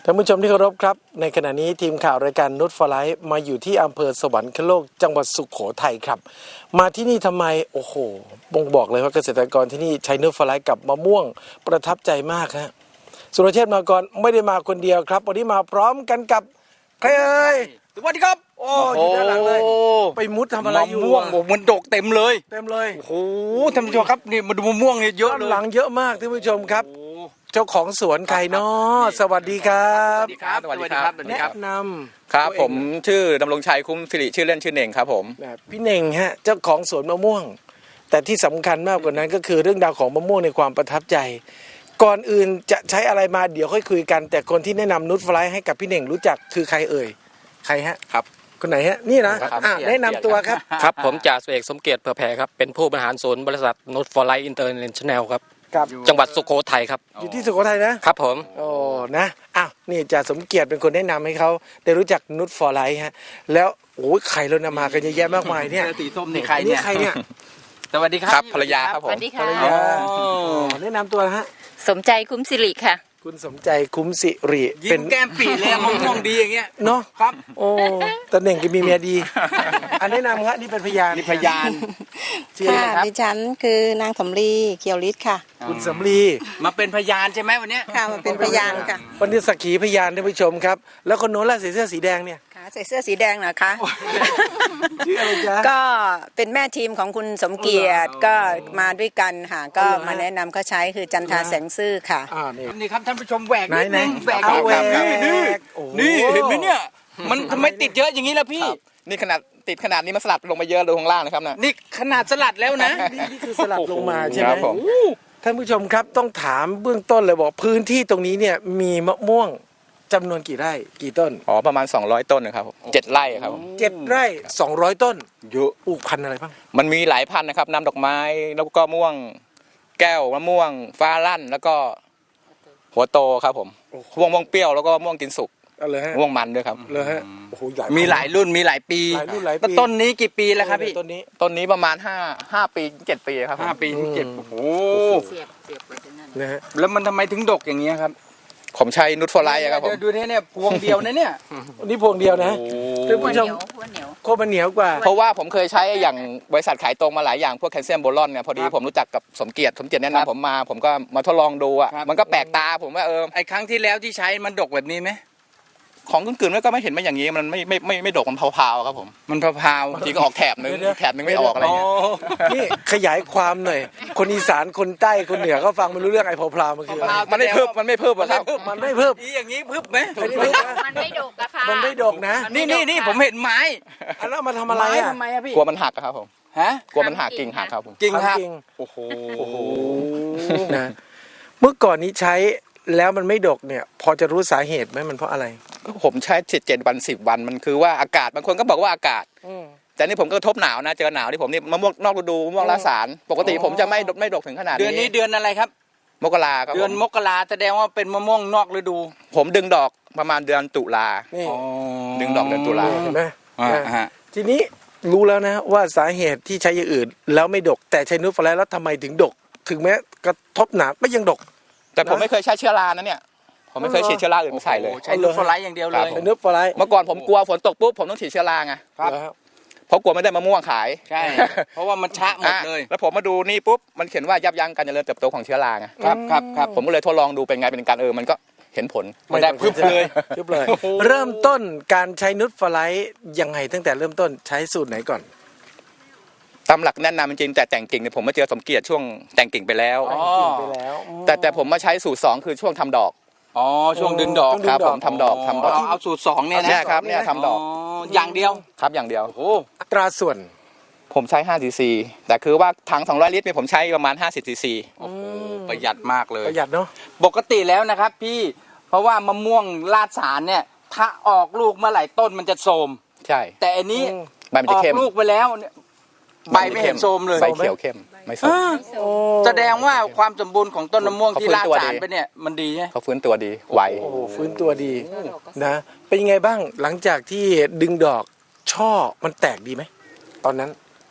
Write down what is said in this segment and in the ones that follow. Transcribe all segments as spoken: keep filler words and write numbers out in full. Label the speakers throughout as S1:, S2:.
S1: ท่านผู้ชมที่เคารพครับในขณะนี้ทีมข่าวรายการนุชฟลายมาอยู่ที่อำเภอสวรรคโลกจังหวัดสุโขทัยครับมาที่นี่ทำไมโอ้โหบ่งบอกเลยว่าเกษตรกรที่นี่ใช้นุชฟลายกับมะม่วงประทับใจมากฮะสุรเชษฐ์มาก่อนไม่ได้มาคนเดียวครับวันนี้มาพร้อมกันกับใครเอ่ย
S2: สวัสดีครับ
S1: โอ้อยู่ด้านหลังเลยไปมุดทำอะไรอยู่
S2: มะม่วงมันดกเต็มเลย
S1: เต็มเลย
S2: โอ้โหท่านผู้ชมครับนี่มาดูมะม่วงเนี่ยเยอะเลย
S1: หลังเยอะมากท่านผู้ชมครับเจ้าของสวนใครเนาะสวัสดีครับ
S2: สวัสดีครับสวัสดีครับสวัสดีครับ
S1: แนะนำ
S3: ครับผมชื่อดำรงชัยคุ้มสิริชื่อเล่นชื่อเน่งครับผม
S1: พี่เน่งฮะเจ้าของสวนมะม่วงแต่ที่สำคัญมากกว่านั้นก็คือเรื่องราวของมะม่วงในความประทับใจก่อนอื่นจะใช้อะไรมาเดี๋ยวค่อยคุยกันแต่คนที่แนะนำนุชฟลายให้กับพี่เน่งรู้จักคือใครเอ่ยใครฮะ
S3: ครับ
S1: คนไหนฮะนี่นะอ่ะแนะนำตัวครับ
S4: ครับผมจ่าสิบเอกสมเกียรติเผื่อแผ่ครับเป็นผู้บริหารศูนย์บริษัทนุชฟลายอินเตอร์เนชั่นแนลครับ
S1: ครับ
S4: จังหวัดสุโขทัยครับ
S1: อยู่ที่สุโขทัยนะครับ
S4: ผม
S1: โอ้นะอ้าวนี่จ่าสมเกียรติเป็นคนแนะนำให้เขาได้รู้จักนุชฟลายฮะแล้วโอ้ยใครเรานำมากันเยอะแยะมากมายเนี่ย
S2: สีส้มนี่ใคร
S1: นี่
S2: เนี่ย
S1: ใครเนี่ย
S2: สวัสดีค
S3: ค
S2: รั
S3: รั
S2: บบ
S3: ภรรยาครับผ
S5: ส
S3: ม
S5: วัสดีค่ะ
S1: อ๋อแนะนำตัวฮะ
S5: สมใจคุ้มสิริค่ะ
S1: คุณสมใจคุ้มสิริ
S2: ยิ้มแก้มปีเลยมะม่วงดีอย่างเงี้ย
S1: เนาะ
S2: ครับ
S1: โอ้ตาเน่งก็มีเมียดี อันแนะนำครับนี่เป็นพยาน
S2: นี่พยาน
S1: ชื่ออะไร
S6: ค่ะ
S1: ครับ
S6: ดิฉันคือนางสำลีเกียวฤทธิ์ค่ะ
S1: คุณสำลี
S2: มาเป็นพยานใช่ไหมวันเนี้ย
S6: ค่ะมาเป็นพยานค่ะ
S1: วันนี้สักขีพยานท่านผู้ชมครับ แล้วคนโน้นล่ะใส่เสื้อสีแดงเนี่ย
S6: ค่ะใส่เสื้อสีแดงนะคะ
S1: ชื่ออะไรจ๊ะ
S6: ก็เป็นแม่ทีมของคุณสมเกียรติก็มาด้วยกันค่ะก็มาแนะนำเขาใช้คือจันทราแสงซื่อค่ะ
S1: อ่านี่
S2: นี่ครับท่านผู้ชมแหวก
S1: ไหน
S2: นิด
S1: ไหน
S2: นึงแหวก
S1: เอาแหวก
S2: นี่นี่
S1: โอ้โห
S2: นี่เห็นไหมเนี่ยมันทำไมติดเยอะอย่างนี้ล่ะพี่
S3: นี่ขนาดติดขนาดนี้มันสลัดลงมาเยอะเลยข้างล่างนะครับนะ
S2: นี่ขนาดสลัดแล้วนะ
S1: นี่นี่คือสลับลงมาใช่ไห
S3: ค
S1: ม
S3: รับผม
S1: ท่านผู้ชมครับต้องถามเบื้องต้นเลยบอกพื้นที่ตรงนี้เนี่ยมีมะม่วงจำนวนกี่ไร่กี่ต้น
S3: อ๋อประมาณสองร้อยต้นนะครับผมเจ็ดไร่ครับผม
S1: เจ็ดไร่สองร้อยต้น
S3: เยอะ
S1: ปลูกพันธุ์อะไรบ้าง
S3: มันมีหลายพันธุ์นะครับน้ำดอกไม้แล้วก็ม่วงแก้วมะม่วงฟ้าลั่นแล้วก็หัวโตครับผมม่วงม่วงเปรี้ยวแล้วก็ม่วงกินสุก
S1: เอาเลยฮะ
S3: ม่วงมันด้วยครับ
S1: เลยฮะโอ้โหใหญ่
S2: มีหลายรุ่นมีหลายปี
S1: หลายรุ่นหลายปี
S2: แล้วต้นนี้กี่ปีแล้วครับพี่
S1: ต้นนี้
S3: ต้นนี้ประมาณห้าห้าปีเจ็ดปีครับผม
S2: ห้าปีถึงเจ็ดโอ้โห
S5: เสียบเสียบไปที่นั่น
S1: นะฮะ
S2: แล้วมันทำไมถึงดกอย่างเงี้ยครับ
S3: ผมใช้นุชฟลายครับผม
S2: ดูเนี่ยเนี่ยพวงเดียวนะเนี่ย
S1: อันนี้พวงเดียวนะ ท่าน
S5: หัว
S1: ผู้
S5: เห
S1: ช
S5: นี
S1: ม
S5: ยวหัวเหนียว
S1: โคตรมันเหนียวกว่า
S3: เพราะว่าผมเคยใช้อย่างบริษัทขายตรงมาหลายอย่างพวกแคลเซียมโบรอนเนี่ยพอดีผมรู้จักกับสมเกียรติสมเกียรติแนะนำผมมา ผมก็มาทดลองดูอ่ะมันก็แปลกตาผมว่าเออ
S2: ไอ้ครั้งที่แล้วที่ใช้มันดกแบบนี้ไหม
S3: ของกึ่งๆก็ไม่เห็นมาอย่างนี้มันไม่ไม่ไม่ไม่ดกมันพาวๆครับผม
S2: มันพาว
S3: บางทีก็ออกแถบนึง
S1: เดี๋ยวๆ
S3: แถบนึงไม่ออกอะไร
S2: อ๋อ
S3: เงี้ย
S1: นี่ขยายความหน่อย คนอีสานคนใต้คนเหนือก็ฟังไม่รู้เรื่องไอ้พอพลามันคืออะไร
S3: มันไม่เพิ่มมันไม่เพิ่มอะครับ
S1: มันไม่เพิ่ม
S2: อีอย่างนี้พึบไหม
S1: ไม่เพิ่มนะ
S5: มันไม่ดกอะค่ะ
S1: มันไม่ดกนะ
S2: นี่นี่นี่ผมเห็นไม้
S1: อันนั้นเอามาทำอะไร
S2: ไม้
S1: อ่ะ
S2: ทำไมอะพี่
S3: กลัวมันหักอะครับผม
S2: ฮะ
S3: กลัวมันหักกิ่งหักครับผม
S2: กิ่งหัก
S1: จริง
S2: โอ้โห
S1: นะเมื่อก่อนนี้ใช้แล้วมันไม่ดกเนี่ย พอจะรู้สาเหตุไหมมันเพราะอะไร
S3: ผมใช้เจ็ดเจ็ดวันสิบวันมันคือว่าอากาศบางคนก็บอกว่าอากาศ แต่นี่ผมก็กระทบหนาวนะเจอหนาวที่ผมนี่มะม่วงนอกฤดูมะม่วงลาสารปกติผมจะไม่ไม่ดกถึงขนาด
S2: เดือนนี้
S3: นี้
S2: เดือนอะไรครับ
S3: มกราครับ
S2: เดือน
S3: ผม
S2: มกราแสดงว่าเป็นมะม่วงนอกฤดู
S3: ผมดึงดอกประมาณเดือนตุลา
S1: นี่
S3: ดึงดอกเดือนตุลา
S1: เห็นไหม
S2: อ่า
S1: นะ
S2: ฮะ
S1: ทีนี้รู้แล้วนะว่าสาเหตุที่ใช้อย่างอื่น แล้วไม่ดก แต่ใช้นูตฟลายแล้วทำไมถึงดก ถึงแม้กระทบหนาวก็ยังดก
S3: แต่ผมไม่เคยใช้เชื้อรานะเนี่ยผมไม่เคยฉีดเชื้อราอื่นมาใส่เลย
S2: โอ้ใช้ลูกฟลายอย่างเดียวเล
S3: ครั
S2: ย
S3: บ
S1: เป็นนูตฟลาย
S3: เมื่อก่อนผมกลัวฝนตกปุ๊บผมต้องฉีดเชื้อราไง
S2: ครับ
S1: แล้ว
S3: เพราะกลัวไม่ได้มะม่วงขาย
S2: ใช่ เพราะว่ามันชะหมดเลย
S3: อ่ะแล้วผมมาดูนี่ปุ๊บมันเขียนว่ายับยั้งการเจริญเติบโตของเชื้อราไง
S2: ครับครับครับ
S3: ผมก็เลยทดลองดูเป็นไงเป็นการเออมันก็เห็นผล
S2: ไม่ได้พึบเลย
S1: พึบเลย เริ่มต้นการใช้นูตฟลายยังไงตั้งแต่เริ่มต้นใช้สูตรไหนก่อน
S3: ตามหลักแนะนำจริงๆแต่แต่งกิ่งเนี่ยผมมาเจอสมเกียรติช่วงแต่งกิ่งไปแล้ว
S2: อ๋อ
S1: ไปแล้ว
S3: แต่แต่ผมมาใช้สูตรสองคือช่วงทำดอก
S2: อ๋อช่วงดึงดอก
S3: ครับผมทำดอกทำดอก
S2: เอาเอาสูตรสองเนี่ยนะ
S3: เนี่ยครับเนี่ยทำดอก
S2: อย่างเดียว
S3: ครับอย่างเดียว
S2: โอ้
S1: อัตราส่วน
S3: ผมใช้ห้าซีซีแต่คือว่าถังสองร้อยลิตรเนี่ยผมใช้ประมาณห้าสิบซีซี
S2: โอ้โหประหยัดมากเลย
S1: ประหยัดเนาะ
S2: ปกติแล้วนะครับพี่เพราะว่ามะม่วงลาดสารเนี่ยถ้าออกลูกเมื่อไหร่ต้นมันจะโทรม
S3: ใช่
S2: แต่อันนี้
S3: ใบมัน
S2: อ
S3: จะ
S2: อก
S3: เข้ม
S2: ลูกไปแล้วเนี่ยใบไม่เห็นโทรมเลย
S3: ใบเขียวเข้มไม่ส้ม
S2: แสดงว่าความสมบูรณ์ของต้นมะม่วงที่ลาด
S3: เขาฟื้นตัว
S2: สาร
S3: ดี
S2: ไปเนี่ยมันดีใช่ไหม
S3: เขาฟื้นตัวดีไว
S1: โอ้โหฟื้นตัวดีนะ เป็นยังไงบ้างหลังจากที่ดึงดอกช่อมันแตกดีไหมตอนนั้น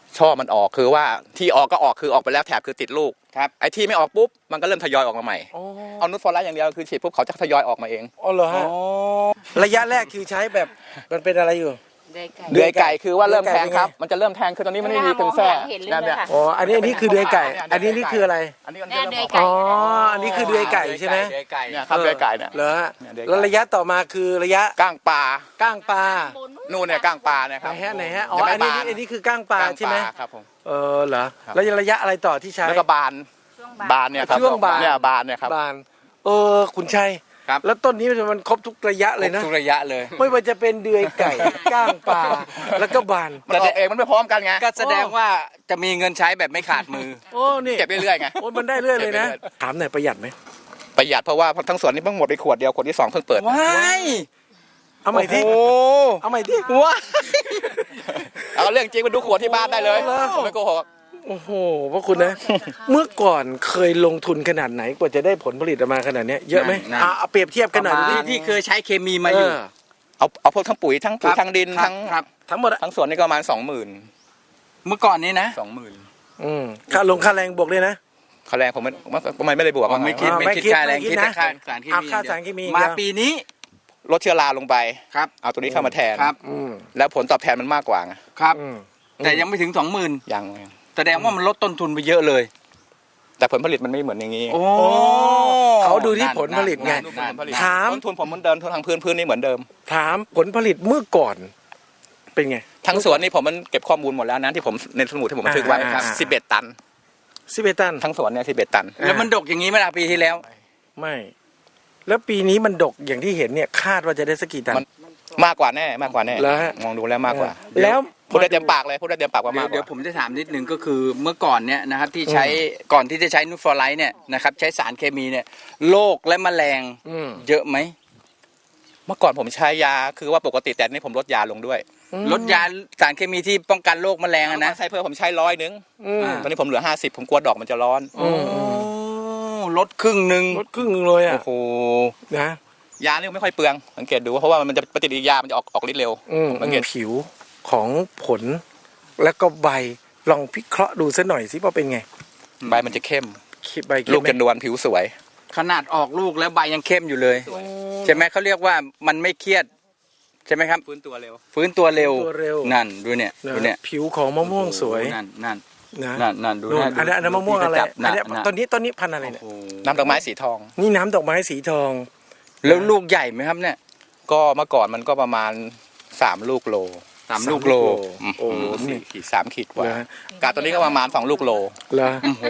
S3: ช่อมันออกคือว่าที่ออกก็ออกคือออกไปแล้วแถบคือติดลูก
S2: ครับ
S3: ไอ้ที่ไม่ออกปุ๊บมันก็เริ่มทยอยออกมาใหม่
S1: อ๋อ
S3: เอานูตฟอร์ไลท์อย่างเดียวคือฉีดปุ๊บเขาจะทยอยออกมาเอง
S1: อ๋อเหรอฮะระยะแรกคือใช้แบบมันเป็นอะไรอยู่
S5: ได้ไก่
S3: เดือยไก่คือว่าเริ่มแทงครับ
S1: เดือยไก่เป็นไง
S3: มันจะเริ่มแทงคือตอนนี้มันไม่มีเป็นแทร่
S5: เห็นเลยค่ะ
S1: อ๋ออันนี้อันนี้คือเดือยไก่ อันนี้นี่คืออะไร
S3: อันนี้มัน
S5: แน่
S3: จะ
S5: เดื
S3: เริ่
S5: อย
S3: ม
S5: ไก่
S1: อ๋ออันนี้คือเดือยไก่ใช่ไหม
S2: เดือยไก่
S3: เนี่ยครับเดือยไก่เนี่ย
S1: เหรอฮะ
S3: เนี่ยเดือยไก่
S1: แล้วระยะต่อมาคือระยะ
S3: ก้างปลา
S1: ก้างปลา
S3: นู่นเนี่ยก้างปลาเนี่ยค
S1: ไหน
S3: รับ
S1: ฮะไหนฮะอ๋อ
S3: ยัง
S1: อัน
S3: ไม่
S1: นี้
S3: บาน
S1: อันนี้คือก้างปลา
S3: ก้าง
S1: ใช่ไหม
S3: ครับผม
S1: เออเหรอ
S3: ครับ
S1: แล้วระยะอะไรต่อที่ใช้
S3: แล้วก็บาน
S5: ช่วง
S3: บานเนี่ยครับ
S1: ช่วงบาน
S3: เนี่ยบานเนี่ยครับ
S1: บานเออคุณชัย
S2: ครับ
S1: แล้วต้นนี้มันครบทุกระยะเลยนะ
S2: ทุกระยะเลย
S1: ไม่ว่าจะเป็นเดือยไก่ ก้างปลาแล้วก็บาน
S3: มันออกเองมันไม่พร้อมกันไง
S2: ก็แสดงว่าจะมีเงินใช้แบบไม่ขาดมือ
S1: โอ้นี่
S3: เก็บเรื่อยๆไง
S1: โอ้มันได้เรื่อยเลยนะ
S3: เก็บไปเรื่อย
S1: ถามหน่อยประหยัดไหม
S3: ประหยัดเพราะว่าทั้งสวนนี่เพิ่งหมดไปขวดเดียวขวดที่สองเพิ่งเปิด
S2: ว้าย
S1: เอาใหม่ที่
S2: โอ้
S1: เอาใหม่ที่
S2: ว้าย
S3: เอาเรื่องจริงมาดูขวดที่บ้านได้เลย
S1: โอ้โห
S3: ผมไม่โกหก
S1: โอ้โหพระคุณนะ เมื่อก่อนเคยลงทุนขนาดไหนกว่าจะได้ผลผลิตออกมาขนาดเนี้ยเยอะไหมอ่ะเอาเปรียบเทียบกันหน่อยดู
S2: ที่
S1: ดิ
S2: ที่เคยใช้เคมีมาอยู่
S1: เออ
S3: เอาเอาพวกทั้งปุ๋ยทั้งปุ๋ย
S2: ครับ
S3: ทั้งดิน
S2: ครับ
S3: ทั้ง
S2: ครับ
S1: ทั้งหมดอะ
S3: ทั้งสวนนี่ก็ประมาณสองหมื่น
S2: เมื่อก่อนนี้นะ
S3: สองหมื่น
S1: อืมค่าลงค่าแรงบวกเลยนะ
S3: ค่าแรงผมไม่ไม่ไม่ได้บวก
S2: ไม่คิด
S1: อ่า
S2: ไม่
S1: ไม่
S2: คิด
S1: คิด
S2: ค่าแรง
S1: ไม่คิด
S2: คิดแต่
S1: นะ
S2: ค่าสารเค
S1: อ่ะ
S2: มี
S1: ค่าสารเคมี
S2: มา
S1: เดียว
S2: ปีนี้
S3: ลดเชื้อราลงไป
S2: ครับ
S3: เอาตัวนี้เข้ามาแทน
S2: ครับ
S1: อืม
S3: แล้วผลตอบแทนมันมากกว่าไง
S2: ครับ
S1: อืม
S2: แต่ยังไม่ถึงสองหมื่น
S3: ยัง
S2: แสดงว่ามันลดต้นทุนไปเยอะเลย
S3: แต่ผลผลิตมันไม่เหมือนอย่างนี้
S2: โอ้
S1: เขาดูที่ผลผลิตไง
S3: ดูผลผลิต
S1: ถาม
S3: ต้นทุนผมเหมือนเดิมทุนทางพื้นพื้นนี่เหมือนเดิม
S1: ถามผลผลิตเมื่อก่อน เป็นไง
S3: ทั้งสวนนี่ผมมันเก็บข้อมูลหมดแล้วนะที่ผมในสมุดที่ผมบันทึกไว้
S1: อ่า
S3: ครับ
S1: อ่า
S3: สิบเอ็ดตัน
S1: สิบเอ็ดตัน
S3: ทั้งสวนเนี่ยสิบเอ็ดตัน
S2: แล้วมันดกอย่างนี้เมื่อปีที่แล้ว
S1: ไม่ แล้วปีนี้มันดกอย่างที่เห็นเนี่ยคาดว่าจะได้สักกี่ตัน
S3: มัน มากกว่าแน่มากกว่าแน่
S1: แล้วฮะ
S3: มองดูแล้วมากกว่า
S1: แล้ว
S3: พูดได้เต็มปากเลยพูดได้เต็มปากว่า
S2: เดี๋ย
S3: มาว กก
S2: เดี๋ยว
S3: ว่า
S2: ผมจะถามนิดนึงก็คือเมื่อก่อนเนี่ยนะครับที่ใช้ก่อนที่จะใช้นูตฟอร์ไลท์เนี่ยนะครับใช้สารเคมีเนี่ยโรคและแมลง
S1: อืม
S2: เยอะไหม
S3: เมื่อก่อนผมใช้ยาคือว่าปกติแต่นี่ผมลดยาลงด้วย
S2: ลดยาสารเคมีที่ป้องกันโรคแมลงอะนะ
S3: ใช้เพิ่มผมใช้ร้อยนึง
S1: อืม
S3: ตอนนี้ผมเหลือห้าสิบผมกลัวดอกมันจะร้อน
S1: อืม
S2: โอ้ลดครึ่งหนึ่ง
S1: ลดครึ่งหนึงเลยอ่ะ
S2: โอ้โห
S1: นะ
S3: ยานี่ไม่ค่อยเปลืองสังเกตดูเพราะว่ามันจะปฏิกิริยามันจะออกออกฤทธิ์เร็ว
S1: อืม
S3: สังเกต
S1: ผิวของผล แล้วก็ใบลองพิเคราะห์ดูสักหน่อยสิว่าเป็นไง
S3: ใบมันจะเข้ม
S1: ใบเข้ม
S3: ลูก
S1: ไหม
S3: จะนวลผิวสวย
S2: ขนาดออกลูกแล้วใบยังเข้มอยู่เลยใช่ไหมเขาเรียกว่ามันไม่เครียดใช่ไหมครับ
S3: ฟื้นตัวเร็ว
S2: ฟื้นตัวเร็ว
S1: ตัวเร็ว
S2: นั่นดูเนี่ย
S1: นะ
S2: ดูเนี่ย
S1: ผิวของมะม่วงสวย
S2: นั่นนั่น
S1: นะ
S2: นั่นนั่นดู
S1: นู่น
S2: ะ
S1: อันนั้นอันนั้นมะม่วงอะไร
S2: จับ
S1: อันนี้
S2: ะะ
S1: ตอนนี้ตอนนี้พันธุ์อะไรเนี่ย
S2: โอ้โห
S3: น้ำดอกไม้สีทอง
S1: นี่น้ำดอกไม้สีทอง
S2: แล้วลูกใหญ่ไหมครับเนี่ย
S3: ก็เมื่อก่อนมันก็ประมาณสามลูกโล
S2: สามลูกโล
S1: โอ้โห
S3: สี่ขีดสามขีดกว่า
S1: นะฮะ
S3: กาตัวนี้ก็ประมาณสองลูกโล
S1: เหรอ
S2: โอ้โห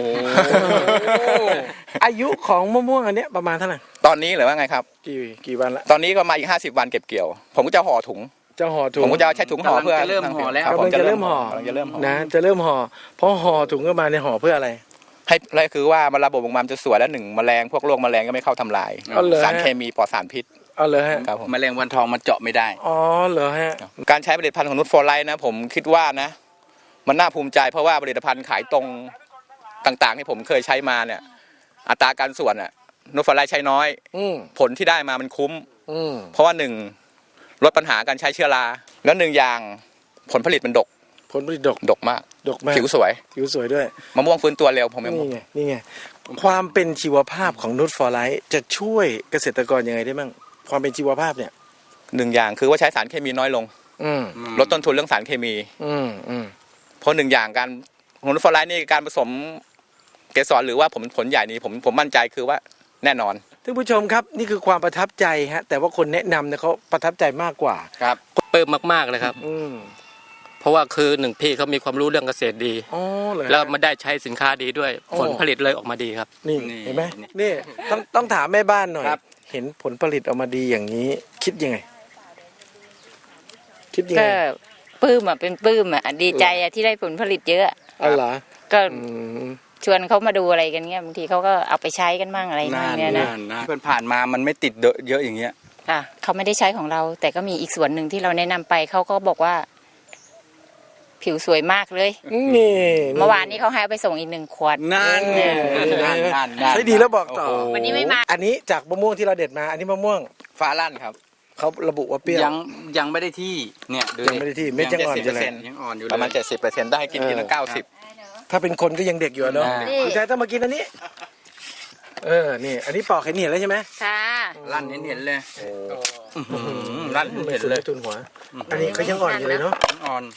S1: อายุของมะม่วงอันเนี้ยประมาณเท่าไหร่
S3: ตอนนี้หรือว่าไงครับ
S1: กี่กี่วันละ
S3: ตอนนี้ก็มาอีกห้าสิบวันเก็บเกี่ยว ผมก็จะห่อถุง
S1: จะห่อถุง
S3: ผมก็จะใช้ถุงห่อเพื่อก
S2: ำลังจะเริ่มห่อแล้ว
S3: คบ
S1: กำลังจะเริ่มห่อก
S3: ำลังจะเริ่มห่อ
S1: นะจะเริ่มห่อเพราะห่อถุงก็มาในห่อเพื่ออะไร
S3: ให้แล้วคือว่ามันระบบของมันจะสวยแล้วหนึ่งแมลงพวกโรคแมลงก็ไม่เข้าทำลาย
S1: อ๋อเหรอฮะ
S3: สารเคมีปลอดสารพิษ
S1: เอาเลยฮะ
S3: ครับผม
S2: แมลงวันทองมันเจาะไม่ได้
S1: อ๋อเหรอฮะ
S3: การใช้ผลิตภัณฑ์ของนุชฟอร์ไลท์นะผมคิดว่านะ มันน่าภูมิใจเพราะว่าผลิตภัณฑ์ขายตรงต่างๆ ที่ผมเคยใช้มาเนี่ย อัตราการส่วนอ่ะนุชฟอร์ไลท์ใช้น้อย
S1: อืม
S3: ผลที่ได้มามันคุ้ม
S1: อืม
S3: เพราะว่าหนึ่งลดปัญหาการใช้เชื้อราแล้วหนึ่งอย่างผลผลิตมันดก
S1: ผลผลิตดก
S3: ดกมาก
S1: ดกมาก
S3: ผิวสวย
S1: ผิวสวยด้วย
S3: มะม่วงฟื้นตัวเร็วผมยัง
S1: นี่ไงนี่ไงความเป็นชีวภาพของนุชฟอร์ไลท์จะช่วยเกษตรกรยังไงได้บ้างความเป็นชีวภาพเนี่ย
S3: หนึ่งอย่างคือว่าใช้สารเคมีน้อยลง
S1: อืม
S3: ลดต้นทุนเรื่องสารเคมี
S1: อืมอืม
S3: เพราะหนึ่งอย่างการของนุชฟอร์ไลท์นี่การผสมเกสรหรือว่าผมผลใหญ่นี่ผมผมมั่นใจคือว่าแน่นอน
S1: ท่านผู้ชมครับนี่คือความประทับใจฮะแต่ว่าคนแนะนำเนี่ยเขาประทับใจมากกว่า
S2: ครับ
S4: ปลื้มมากๆเลยครับ
S1: อืม
S4: เพราะว่าคือหนึ่งพี่เขามีความรู้เรื่องเกษตรดี
S1: อ๋อเลย
S4: แล้วมาได้ใช้สินค้าดีด้วย
S1: โอ้
S4: ผลผลิตเลยออกมาดีครับ
S1: นี่
S2: นี่
S1: เห็นไหมนี่ต้องต้องถามแม่บ้านหน่อย
S2: ครับ
S1: เห็นผลผลิตออกมาดีอย่างนี้ คิดยังไง คิดยังไง
S5: ก็ปลื้มอ่ะเป็นปลื้มอ่ะดีใจอ่ะที่ได้ผลผลิตเยอะ
S1: อ๋อเหรอ
S5: ก็
S1: อืม
S5: ชวนเขามาดูอะไรกันเงี้ยบางทีเขาก็เอาไปใช้กันบ้างอะไรบ้างเนี่ยนะ
S2: เพื่อนผ่านมามันไม่ติดเยอะอย่างเงี้ย
S5: ค่ะเขาไม่ได้ใช้ของเรา แต่ก็มีอีกส่วนหนึ่งที่เราแนะนำไปเขาก็บอกว่า ผิวสวยมากเลย
S1: นี่
S5: เมื่อวานนี้เขาให้เอาไปส่งอีกหนึ่งขวด
S2: นั่น
S1: เออ
S2: นั่นนั่นนั่น
S1: ใช้ดีแล้วบอกต่อ
S2: โโห
S5: วันนี้ไม่มา
S1: อันนี้จากมะม่วงที่เราเด็ดมา อันนี้มะม่วง
S3: ฟ้าลั่นครับ
S1: เขาระบุว่าเปรี้ยว
S2: ยังยังไม่ได้ที่เนี่ยดู
S1: ยังไม่ได้ที่เม็ดยังอ่อนอยู่เลย
S2: ยังอ่อนอยู่เลย
S3: ประมาณเจ็ดสิบเปอร์เซ็นต์ได้กินทีละเก้าสิบ
S1: ถ้าเป็นคนก็ยังเด็กอยู่อะเนาะ
S2: นี่
S1: คุณชายต้องมากินอันนี้ เออ นี่ อันนี้ปอกเห็นเห็นแล้วใช่ไหม
S5: ค่ะ
S2: ลั่นเห็นเห็นเลยอื้อหือลั่นเห็น
S1: ไม่
S2: เห็น
S1: สุด
S2: เล
S1: เลย ยทุนหัว อันนี้เขายังอ่อนอยู่เลยเนาะ
S2: อ่อน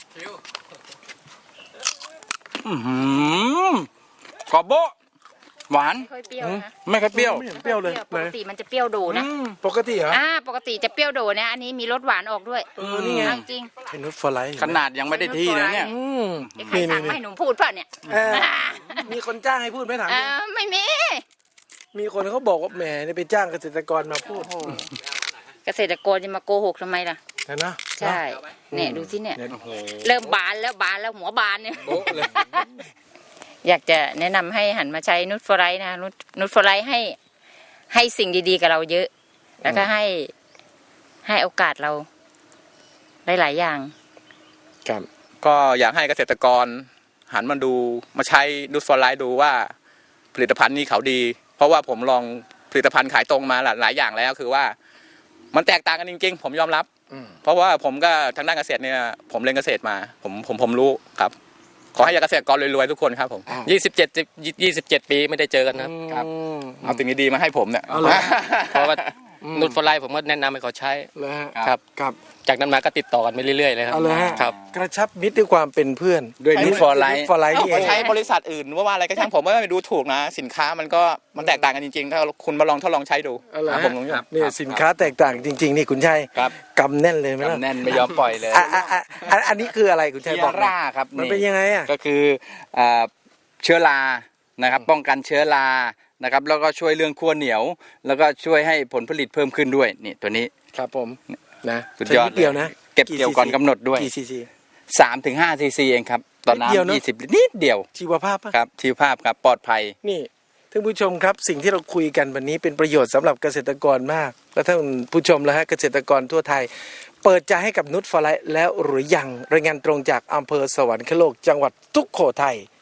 S2: อื้อหือกรอบโบ๊ะหวาน
S5: ไม่ค่อยเปรี้ยวนะ
S2: ไม่ค่อยเปรี้ยว
S1: ไม่เห็นเปรี้ยวเลย
S5: ปกติมันจะเปรี้ยวโดนะ
S1: ปกติเหรอ
S5: อ่าปกติจะเปรี้ยวโดนะอันนี้มีรสหวานออกด้วย
S1: เออนี่ไง
S5: เอาจริง
S1: ไอ้นุชฟอร์ไลท์
S2: ขนาดยังไม่ได้ที่นะเนี่ย
S1: อืม
S5: ไอ้ใครสั่งมาให้หนูพูดป่ะเนี่ย
S1: เออมีคนจ้างให้พูดไหมถาม
S5: เอ
S1: จริง
S5: อไม่มี
S1: มีคนเขาบอกว่าแหมเนี่ยไปจ้างเกษตรกรมาพูด
S5: เกษตรกรจะมาโกหกทำไมล่ะ
S1: นะนะ
S5: ใช่เนี่ยดูสิเนี่ย
S2: โอ้โห
S5: เริ่มบานแล้วบานแล้วหัวบานเนี่ย
S2: โบ๊ะเลย
S5: อยากจะแนะนำให้หันมาใช้นูตฟอร์ไรท์นะนูตนูตฟอร์ไรท์ให้ให้สิ่งดีๆกับเราเยอะ แล้วก็ให้ให้โอกาสเราหลายๆอย่าง
S1: ครับ
S3: ก็อยากให้เกษตรกรหันมาดูมาใช้นูตฟอร์ไลท์ดูว่าผลิตภัณฑ์นี้เขาดี เพราะว่าผมลองผลิตภัณฑ์ขายตรงมาหลายอย่างแล้วคือว่ามันแตกต่างกันจริงๆ ผมยอมรับ
S1: อืม
S3: เพราะว่าผมก็ทางด้านเกษตรเนี่ยผมเรียนเกษตรมาผมผมผมรู้ครับ ขอให้เกษตรกรรวยๆทุกคนครับผม
S4: ยี่สิบเจ็ดยี่สิบเจ็ดปีไม่ได้เจอกันนะครับ
S3: ครับ
S1: อืม
S3: เอาสิ่งดีๆมาให้ผมเนี่ย
S1: เอาเหรอ
S4: เพราะว่านุชฟอร์ไลท์ผมก็แนะนำให้เขาใช้
S1: เลยฮะ
S4: ครับ
S1: ครับ
S4: จากนั้นมาก็ติดต่อกันไปเรื่อยๆเลยครับ
S1: เอาเลยฮะ
S4: ครับ
S1: กระชับมิตรด้วยความเป็นเพื่อน
S2: ด้วยนูตฟอร์ไลท์
S1: ฟอร์ไลท์นี่เอ
S3: ก็
S1: ง
S3: ใช้บริษัทอื่นว่าว่าอะไรก็ช่างผมไม่ไปดูถูกนะ สินค้ามันก็มันแตกต่างกันจริงๆ ถ้าคุณมาลองทดลองใช้ดู
S1: เอาเหรอ
S3: ครับ
S1: ฮะ
S3: ผมลอง
S2: ครับ
S1: เนี่ยสินค้าแตกต่างจริง ๆ นี่คุณชัย
S3: ครับ
S1: กำแน่นเลยไหมล่ะ
S2: กำแน่นไม่ยอมปล่อยเลย
S1: อ่ะอ่ะอ่ะอันอันนี้คืออะไรคุณชัย
S2: เที
S1: บอก
S2: ย
S1: หน่อย
S2: ร่าครับ
S1: มันเป็นยังไงอ่ะ
S2: ก็คืออ่าเชื้อรานะครับ ป้องกันเชื้อรานะครับ แล้วก็ช่วยเรื่องขั้วเหนียว แล้วก็ช่วยให้ผลผลิตเพิ่มขึ้นด้วยนี่ตัวนี้
S1: ครับผมนะ
S2: สุดยอด
S1: ใช้นิเดียวนะ
S2: เก็บเกี่ยวก่อนกำหนดด้วย
S1: กี่ซีซี
S2: สามถึงห้าซีซีเองครับต่อ
S1: นิดเดียว
S2: น้ำ
S1: เนอะ
S2: ยี่สิบลิตรนิดเดียว
S1: ชีวภาพปะ
S2: ครับชีวภาพครับปลอดภัย
S1: นี่ท่านผู้ชมครับสิ่งที่เราคุยกันวันนี้เป็นประโยชน์สำหรับเกษตรกรมาก และท่านผู้ชมและฮะเกษตรกรทั่วไทย เปิดใจให้กับนุชฟอร์ไลท์แล้วหรือยังรายงานตรงจากอำเภอสวรรคโลกจังหวัดสุโขทัย